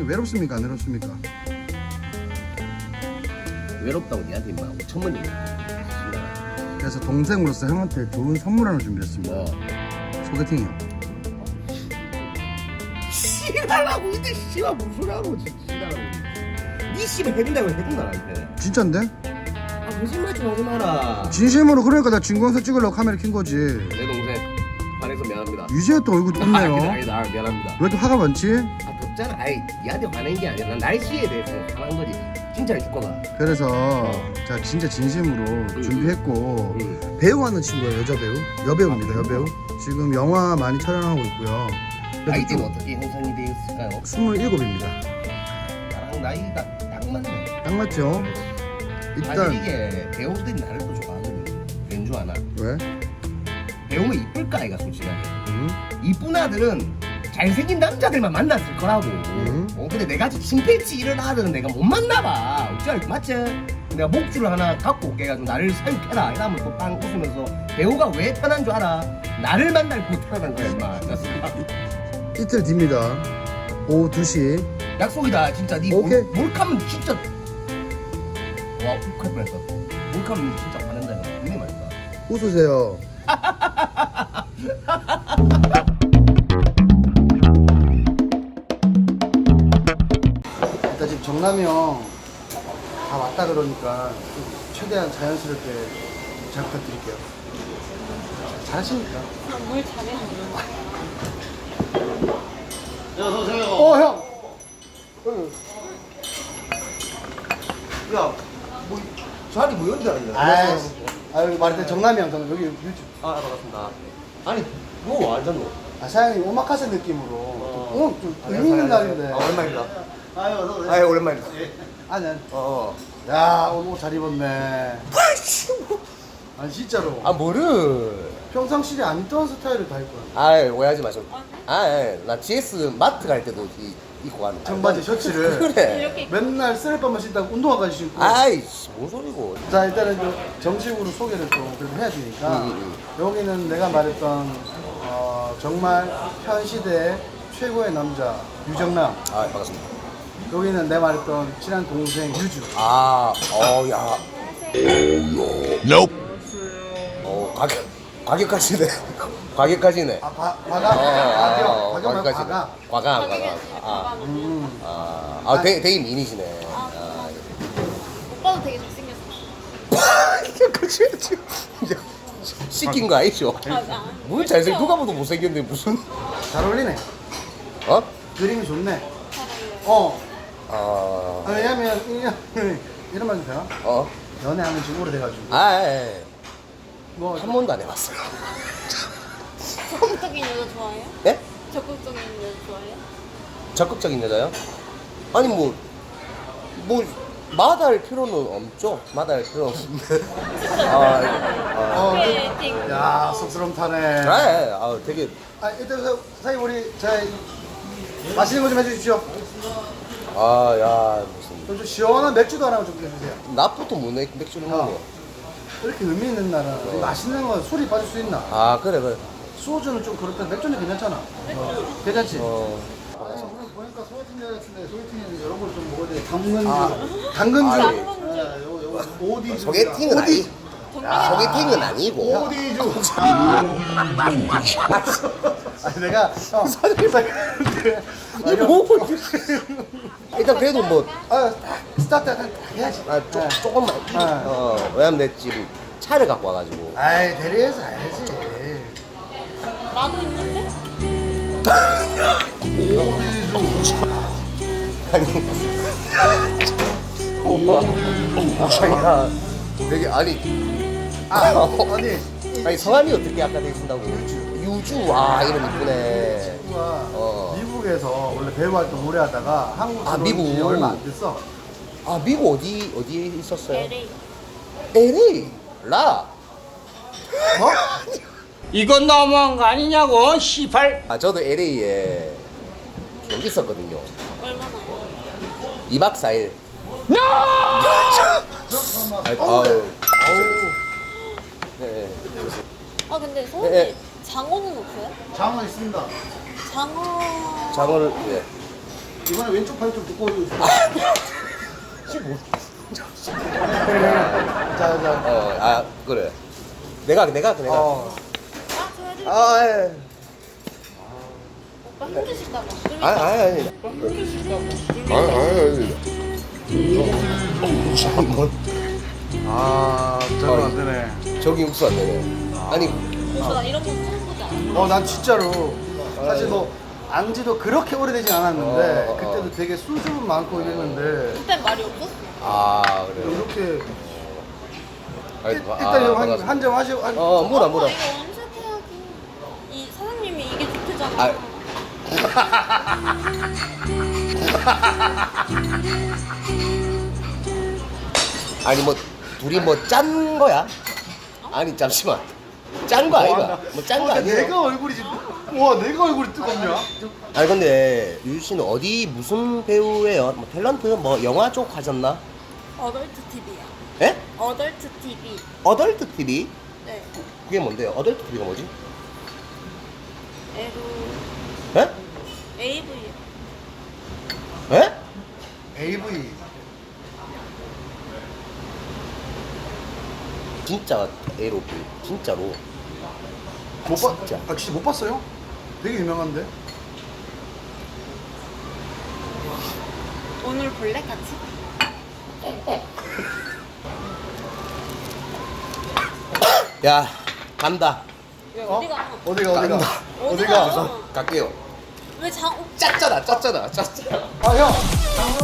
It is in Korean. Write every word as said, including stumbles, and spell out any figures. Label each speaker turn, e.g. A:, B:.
A: 형님 외롭습니까? 안 외롭습니까?
B: 외롭다고 니한테 인마 오천만 얘기.
A: 그래서 동생으로서 형한테 좋은 선물 하나 준비했습니다.
B: 뭐?
A: 소개팅이요.
B: 씨발라고 이제 씨발 무슨 소리하고 씨발라고. 니 씨발 해준다고 해준다 나한테.
A: 진짠데?
B: 아 거짓말 좀 하지 마라.
A: 진심으로. 그러니까 나 진공서 찍으려고 카메라 킨 거지.
B: 내 동생 화내서 미안합니다.
A: 유지야 또 얼굴
B: 아니다
A: 웃네요.
B: 아니다 아, 미안합니다.
A: 왜 또 화가 많지?
B: 아 덥잖아. 아이 니한테 화낸 게 아니라 난 날씨에 대해서 화난 거지. 진짜 죽거나.
A: 그래서
B: 어.
A: 자 진짜 진심으로
B: 응.
A: 준비했고
B: 응.
A: 배우하는 친구예요. 여자 배우. 여배우입니다. 여배우. 지금 영화 많이 촬영하고 있고요.
B: 나이대는 어떻게 형성이 되어 있을까요?
A: 스물일곱입니다.
B: 나랑 나이가 딱 맞네.
A: 딱 맞죠? 일단
B: 사실 이게 배우들이 나를 또 좋아하거든. 왠 줄 아나?
A: 왜?
B: 배우면 이쁠까 아이가 솔직하게.
A: 응?
B: 이쁜 아들은 잘생긴 남자들만 만났을 거라고.
A: 음.
B: 어, 근데 내같이 침팬치 이런 아들은 내가 못 만나봐. 어찌 알고 맞지? 내가 목줄을 하나 갖고 올게 해가지고 나를 사육해라 이러면 또 빵 웃으면서 배우가 왜 편한 줄 알아? 나를 만날 고 태어난 거야 임마.
A: 이틀 뒤입니다. 오후 두 시.
B: 약속이다 진짜. 니
A: 오케이.
B: 몰, 몰카면 진짜 와 욱할 뻔했어. 몰카면 진짜 화낸다 이거. 분명히 말했다.
A: 웃으세요. 일단 지금 정남이 형 다 왔다 그러니까 좀 최대한 자연스럽게 잘 부탁드릴게요. 잘하십니까?
C: 뭘 잘해?
A: 어 형! 응.
B: 야, 뭐 자리 뭐 연대 아니냐?
A: 아유, 아유 말했더니 정남이 형 저는 여기 유튜브.
B: 아, 반갑습니다. 아니, 너 완전 너.
A: 아 사장님 오마카세 느낌으로
B: 어.
A: 오늘 좀 의미 있는 날인데.
B: 아, 오랜만입니다.
A: 아유 어서
B: 아유, 오랜만입니다.
A: 아, 난.
B: 어.
A: 야 오늘 옷 잘 입었네. 아니 진짜로.
B: 아, 뭐를?
A: 평상시에 안 입던 스타일을 다 입고.
B: 아, 오해하지 마시고. 아, 예. 나 지에스 마트 갈 때도 이, 입고 가는.
A: 청바지 셔츠를
B: 그래.
C: 이렇게
A: 맨날 쓰레빠만 신다고 운동화까지 신고.
B: 아이씨, 뭔 소리고.
A: 자 일단은 좀 정식으로 소개를 좀 그래도 해야 되니까
B: 음, 음,
A: 여기는 내가 말했던 어, 정말 현 시대 최고의 남자 유정남.
B: 아, 반갑습니다.
A: 여기는 내가 말했던 친한 동생 유주.
B: 아, 어, 야.
D: Nope.
B: 어, 가격, 가격까지네. 가격까지네.
A: 아 과, 과가?
B: 어,
A: 과격.
B: 어,
A: 과격 말고
B: 가격까지.
A: 과가.
B: 과감, 과감. 아,
A: 음.
B: 아, 아, 되, 되게 미인이시네. 아,
C: 오빠도 되게 잘생겼어.
B: 그치, 그치. 이제 시킨 거 아니죠?
C: 맞아.
B: 뭘 잘생, 누가 봐도 못생겼는데 무슨.
A: 잘 어울리네.
B: 어?
A: 그림이 좋네. 어.
B: 아,
A: 아, 왜냐면 이런 이런 말도 되나?
B: 어?
A: 연애하는 지 오래돼가지고.
B: 아, 예, 예.
A: 뭐
B: 한 번도 안 해봤어요.
C: 적극적인 여자 좋아해요?
B: 네?
C: 적극적인 여자 좋아해요?
B: 적극적인 여자요? 아니, 뭐, 뭐, 마다할 필요는 없죠. 마다할 필요는 없는데. 아, 아,
A: 어,
C: 소개팅.
A: 야 쑥스러움 타네.
B: 아, 예, 아, 되게.
A: 아 일단 사- 사장님 우리 자 맛있는 거 좀 해주십시오.
B: 아, 야, 무슨.
A: 좀, 좀 시원한 맥주도 하나 좀 해주세요.
B: 낮부터 뭐 맥- 맥주를 먹어.
A: 이렇게 의미 있는 날은 우리 맛있는 거 술이 빠질 수 있나?
B: 아, 그래, 그래.
A: 소주는 좀 그렇다. 맥주는 괜찮잖아. 어, 괜찮지?
B: 어.
A: 아니, 오늘 보니까 소개팅 대 같은데 소개팅에는 이런 걸 좀 먹어야 돼. 당근주.
B: 아.
A: 당근주.
B: 아,
C: 예.
A: 예, 요거 요거 오디주.
B: 소개팅은 아니.
C: 정말
B: 소개팅은 아니고.
A: 오디주. 아니 내가 어, 사장님
B: 이게 뭐. 일단 그래도 뭐,
A: 아 스타트 딱 해야지.
B: 아, 조,
A: 네.
B: 조금만.
A: 아.
B: 어, 왜냐면 내 지금 차를 갖고 와가지고.
A: 아이 대리해서 해야지.
C: 나도 있는데?
B: 아니. 오빠. 자기가 되게, 아니.
A: 아 아니
B: 아니, 성함이 어떻게 아까 되신다고? 유주. 와, 이름 이쁘네.
A: 친구가
B: 어.
A: 미국에서 원래 배우 활동 오래 하다가 한국
B: 아,
A: 들어온 지
B: 미국.
A: 얼마 안 됐어.
B: 아, 미국 어디, 어디에 있었어요?
C: 엘에이.
B: 엘에이. 라.
A: 뭐?
E: 이건 너무한 거 아니냐고, 시팔.
B: 아, 저도 엘에이에 여기 있었거든요.
C: 얼마나요?
B: 이 박 사 일.
E: No!
B: 아, 아유. 네.
C: 아 근데
B: 예,
C: 서울에
B: 예.
C: 장어는 없어요?
A: 장어 있습니다.
C: 장어.
B: 장어를, 예.
A: 이번에 왼쪽 팔 좀 두꺼워지고 있어.
B: 십오.
A: 자, 자.
B: 어, 아 그래. 내가 내가 내가.
A: 어.
C: 아, 저 해드릴게요.
B: 아 예.
C: 오빠 힘드실까봐. 좀
B: 아 아니 아니.
C: 오빠 힘드실까봐.
B: 아니 아니 아니. 뭐
A: 아, 저건 안 되네.
B: 저기 육수 안 되네. 아니
C: 오빠 나 이런 거 처음 보지 않아?
A: 어, 난 진짜로 사실 뭐 안지도 그렇게 오래되지 않았는데
B: 어, 어, 어.
A: 그때도 되게 수줍음 많고 이랬는데
C: 그땐 말이 없었어.
B: 아 그래요.
A: 이렇게
B: 아니,
A: 일-
B: 아,
A: 일단 이거
B: 반갑습니다.
A: 한 점 하시고 한,
B: 어 뭐라 뭐라.
C: 오빠 이거 엄색해야지. 이 사장님이 이게 좋대잖아.
B: 아. 아니 뭐 둘이 뭐 짠 거야? 아니 잠시만 짠 거 아이가? 뭐 짠 거
A: 어,
B: 아니야?
A: 내가 얼굴이 지금 와 내가 얼굴이 뜨겁냐?
B: 아니 근데 유유 씨는 어디 무슨 배우예요? 뭐 탤런트 뭐 영화 쪽 하셨나?
C: 어덜트 티비야.
B: 예?
C: 어덜트 티비.
B: 어덜트 티비?
C: 네.
B: 그게 뭔데요? 어덜트 티비가 뭐지?
C: 에로
B: 예?
C: 에이브이.
B: 예?
A: 에이브이
B: 진짜 에로비 진짜로
A: 못 봤?
B: 진짜.
A: 아 진짜 못 봤어요? 되게 유명한데.
C: 오늘 볼래 같이?
B: 야 간다
A: 어?
C: 어디가?
A: 어디가 어디가?
B: 간다.
A: 어디가?
C: 어디가?
B: 갈게요
C: 왜 장?
B: 짰잖아 짰잖아 짰잖아
A: 아 형.